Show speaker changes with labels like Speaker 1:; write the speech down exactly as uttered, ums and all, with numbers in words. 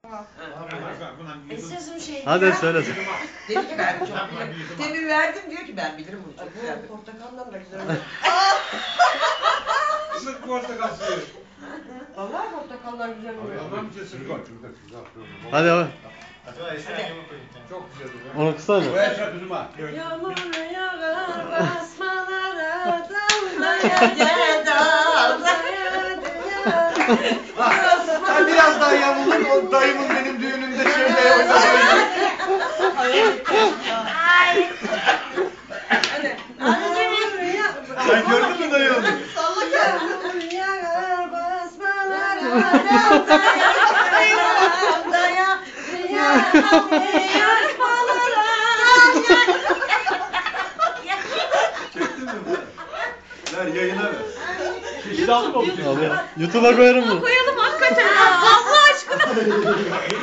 Speaker 1: Esasım şey.
Speaker 2: Hadi söyle.
Speaker 3: Dedi ki ben çok bilirim. Temin verdim diyor ki ben bilirim bunu çok güzel.
Speaker 1: Bu portakaldan da güzel oluyor.
Speaker 4: Isık portakal suyu.
Speaker 1: Vallahi portakallar güzel oluyor.
Speaker 4: Allah'ım kesin.
Speaker 2: Hadi abi.
Speaker 4: Çok güzel oluyor.
Speaker 2: Onu kısa
Speaker 4: Bu
Speaker 2: mı?
Speaker 4: yaşa kızıma.
Speaker 1: Yağmur yağar basmalara dallaya dallaya
Speaker 4: Sen biraz daha yavuldun, o dayımın benim düğünümde şöyle oynadığını. Sen gördün mü dayı onu?
Speaker 1: Yağmur yağar basmalara dallaya dallaya yazmalara.
Speaker 4: Çektin mi bunu? Ver yayına ver. Şişti aldım mı?
Speaker 2: Abi, YouTube'a koyarım bunu.
Speaker 5: Koyalım hakikaten. Allah aşkına.